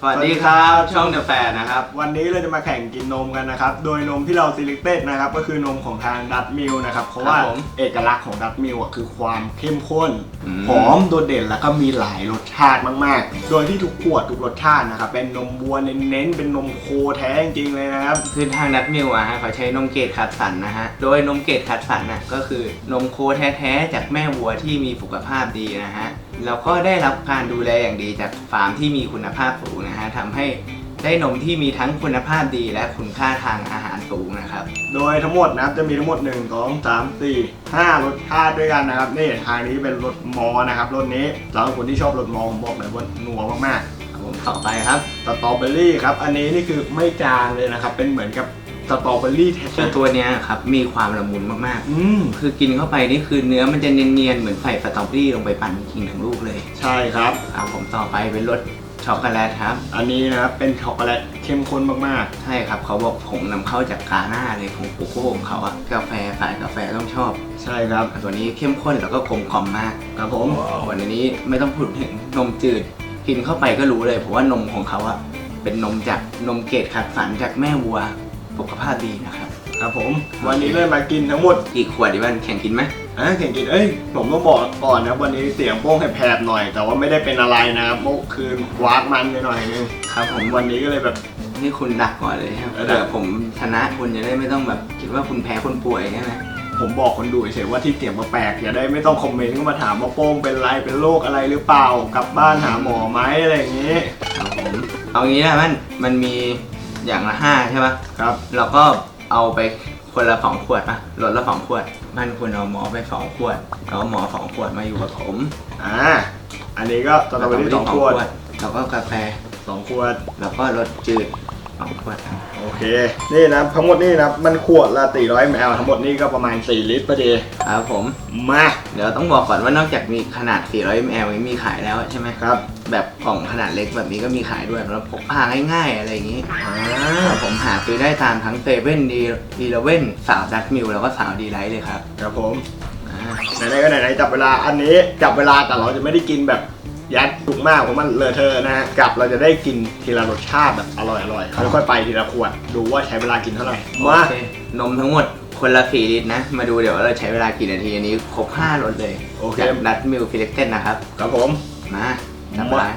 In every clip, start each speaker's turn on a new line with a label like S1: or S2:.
S1: สวัสดีครับช่องเดอะแฟร์นะครับ
S2: วันนี้เราจะมาแข่งกินนมกันนะครับโดยนมที่เรา selected นะครับก็คือนมของทางดัตมิลนะครับเพราะว่าเอกลักษณ์ของดัตมิลคือความเข้มข้นหอมโดดเด่นแล้วก็มีหลายรสชาติมากๆโดยที่ทุกขวดทุกรสชาตินะครับเป็นนมวัวเน้นๆเป็นนมโคแท้จริงๆเลยนะครับ
S1: คือทางดัตมิลเขาใช้นมเกรดคัดสรรนะฮะโดยนมเกรดคัดสรรก็คือนมโคแท้ๆจากแม่วัวที่มีสุขภาพดีนะฮะแล้วก็ได้รับการดูแลอย่างดีจากฟาร์มที่มีคุณภาพสูงนะฮะทำให้ได้นมที่มีทั้งคุณภาพดีและคุณค่าทางอาหารสูงนะครับ
S2: โดยทั้งหมดนะครับจะมีทั้งหมด1 2 3 4 5รสชาติด้วยกันนะครับนี่ทางนี้เป็นรสมอนะครับรสนี้สำหรับคนที่ชอบรสมอผมบอกเลยว่านัวมาก
S1: ๆผมต่อไปครับ
S2: สตรอเบอรี่ครับอันนี้นี่คือไม่จางเลยนะครับเป็นเหมือนกับสตรอเบอรี่แท้
S1: ๆตัวนี้ครับมีความละมุนมากๆคือกินเข้าไปนี่คือเนื้อมันจะเนียนๆเหมือนใส่สตรอเบอรี่ลงไปปั่นกินทั้งลูกเลย
S2: ใช่ครับ
S1: ผมต่อไปเป็นรสช็อกโกแลตครับ
S2: อันนี้นะครับเป็นช็อกโกแลตเข้มข้นมาก
S1: ๆใช่ครับเขาบอกผงนำเข้าจากกาหน้าเลยของโกโก้ของเขาอะกาแฟสายกาแฟต้องชอบ
S2: ใช่ครับ
S1: ตัวนี้เข้มข้นแล้วก็กลมกล่อมมาก
S2: ครับผม
S1: วันนี้ไม่ต้องพูดถึงนมจืดกินเข้าไปก็รู้เลยเพราะว่านมของเขาอะเป็นนมจากนมเกรดคัดสรรจากแม่วัวสุขภาพดีนะครับ
S2: ครับผมวันนี้เลยมากินทั้งหมด
S1: กี่ขวดดิวันแข่งกินไหม
S2: แข่งกินผมต้องบอกก่อนนะวันนี้เสียงโป้งแผบๆหน่อยแต่ว่าไม่ได้เป็นอะไรนะครับเมื่อคืนวากมันไปหน่อยนึง
S1: ครับผม
S2: วันนี้ก็เลยแบบ
S1: นี่คุณดักก่อนเลยครับเดี๋ยวผมชนะคุณจะได้ไม่ต้องแบบคิดว่าคุณแพ้คนป่วยใช่ไหม
S2: ผมบอกคนดูเฉยว่าที่เสียงแปลกๆอย่าได้ไม่ต้องคอมเมนต์เข้ามาถามว่าโป้งเป็นไรเป็นโรคอะไรหรือเปล่ากลับบ้านหาหมอไหมอะไรอย่างนี้
S1: ครับผมเอางี้นะมันมีอย่างละ5ใช่ปะ
S2: ครับ
S1: เราก็เอาไปคนละ2 ขวดป่ะลดละ2 ขวดมันคุณเอาหมอไป2 ขวดเอาหมอ2 ขวดมาอยู่กับผม
S2: อันนี้ก็สตรอเบอรี่2 ขวด
S1: แล้วก็กาแฟ
S2: 2 ขวด
S1: แล้วก็รสจืด2 ขวด
S2: โอเคนี่นะทั้งหมดนี่นะมันขวดละ400 ml ทั้งหมดนี่ก็ประมาณ4 ลิตรพอดี
S1: ครับผม
S2: มา
S1: เดี๋ยวต้องบอกก่อนว่านอกจากมีขนาด400 ml มีขายแล้วใช่ไหม
S2: ครับ
S1: แบบกล่องขนาดเล็กแบบนี้ก็มีขายด้วยแล้วพกพาง่ายๆอะไรอย่างนี้ผมหาซื้อได้ตามทั้งเซเว่นดีเลเว่นสาวดัตมิลแล้วก็สาวดีไลท์เลยครับ
S2: ครับผมไหนๆก็ไหนๆจับเวลาอันนี้จับเวลาแต่เราจะไม่ได้กินแบบยัดจุกมากเพราะมันเลอะเทอะนะฮะกับเราจะได้กินทีละรสชาติแบบอร่อยๆค่อยๆไปทีละขวดดูว่าใช้เวลากินเท่าไหร่ม
S1: านมทั้งหมดคนละ4 ลิตรนะมาดูเดี๋ยวเราใช้เวลากี่นาทีอันนี้ครบ5 รสเลย
S2: โอเค
S1: ดัตมิลฟิเล็กเต้นนะครับ
S2: ครับผม
S1: มาจับเวลา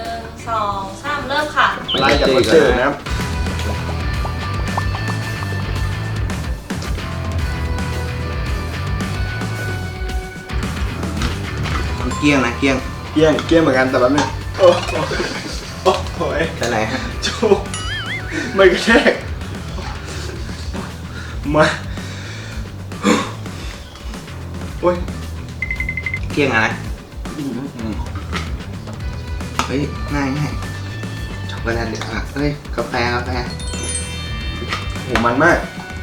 S3: 1 2 3เริ่มค่ะ
S2: ไล่จากรสจืดนะครับ
S1: เกี้ยงนะเกี้ยง
S2: เหมือนกันแต่แบบนี้โอ้โห
S1: เป็นไรฮะ
S2: จูไม่กระแทกมาโอ้ย
S1: เกี้ยงอะไรเฮ้ยง่ายช็อกโกแลตเดี๋ยวเฮ้ยกาแฟ
S2: โหมันมาก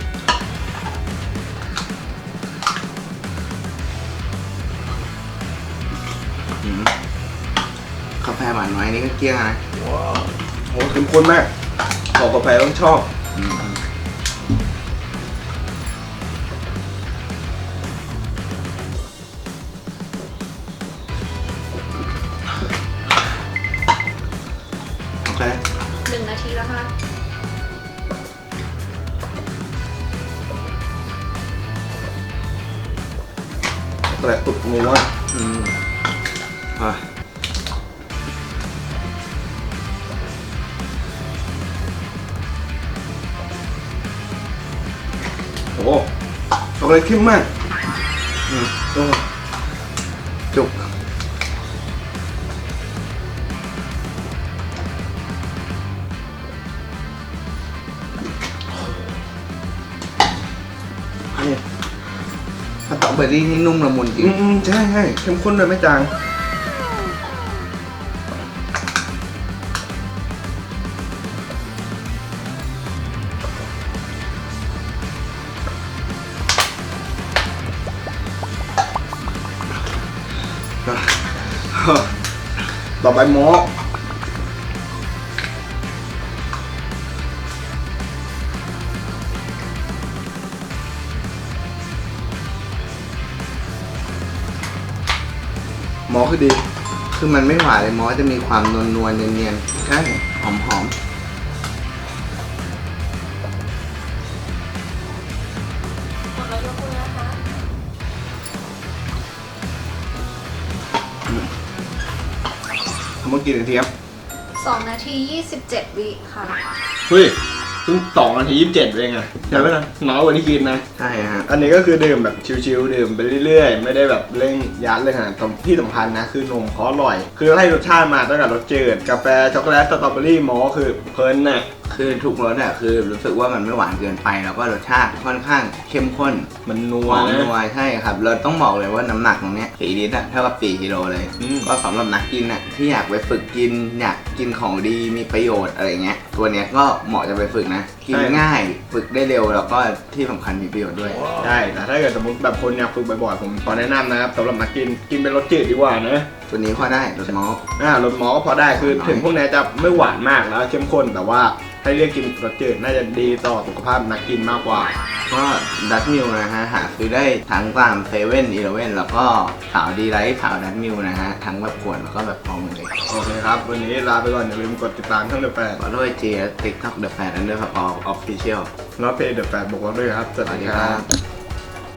S1: กาแฟหวานน้อยนี่ก็เกี้ยงนะ
S2: ว้าวโหเข้มข้นมากของกาแฟต้องชอบ
S1: โอเค
S3: 1 นาทีแล้วค่ะ
S2: แต่ตุกงัวโอ้ช็อกโกแลตเข้มมาก
S1: จุกสตรอเบอรี่นี่นุ่มละมุนจริง
S2: ใช่เข้มข้นเลยไม่จางต่อไปหมอคือดี
S1: คือมันไม่หวานเลยมอสจะมีความนวลๆเนียนๆใช่หอม
S3: หมดแล้วยกมือนะคะ
S2: เมื่อกี้นาทีครับ
S3: 2 นาที 27 วิค่ะ
S2: เฮ้ยเพิ่ง2 นาที 27เองอะใช่ไหมนะน้อยกว่าที่คิดนะ
S1: ๆใช่ฮะ
S2: อันนี้ก็คือดื่มแบบชิวๆดื่มไปเรื่อยๆ ไม่ได้แบบเร่งยัดเลยฮะที่สำคัญนะคือนมเขาอร่อย คือให้รสชาติมาตั้งแต่รสจืดกาแฟช็อกโกแลตสตรอเบอรี่มอลต์คือเพลินน่ะ
S1: คือทุกรสอ่ะคือรู้สึกว่ามันไม่หวานเกินไปแล้วก็รสชาติค่อนข้างเข้มข้น
S2: มันนั
S1: ห
S2: ว
S1: อม
S2: นะ
S1: นัวใช่ครับเราต้องบอกเลยว่าน้ำหนักตรงเนี้ย4 ลิตรอะเท่ากับ4 กิโลเลย
S2: อืม
S1: ก็สำหรับนักกินอ่ะที่อยากไปฝึกกินอยากกินของดีมีประโยชน์อะไรเงี้ยตัวเนี้ยก็เหมาะจะไปฝึกนะกินง่ายฝึกได้เร็วแล้วก็ที่สำคัญมีประโยชน์ด้วย
S2: ใช่แต่ถ้าเกิดสมมติแบบคนอยากฝึกบ่อยๆผมขอแนะนำนะครับสำหรับนักกินเป็นรสจืดดีกว่านะ
S1: ตัวนี้พอได้รสมอลต์
S2: รสมอลต์ก็พอได้คือถึงพวกนี้จะไม่หวานมากแล้วเข้มข้นแต่ว่าให้เลือกกินรสจืดน่าจะดีต่อสุขภาพนักกินมากกว่า
S1: ก็ดัตมิลนะฮะหาซื้อได้ทั้งตามเซเว่นอีเลฟเว่นแล้วก็สาวดีไลท์สาวดัตมิลนะฮะทั้งแบบขวดแล้วก็แบบฟองเลย
S2: โอเคครับ วันนี้ลาไปก่อนอย่าลืมกดติดตามช่องเดอะแฟน
S1: ขอด้วย G และ TikTok The Fan Underscore Official
S2: แล้วเพจเดอะแฟนบอกว่าด้วยครับ ส
S1: ส
S2: วัส
S1: วัส
S2: ดี
S1: ดี
S2: ค
S1: ค
S2: รั
S1: รับ บ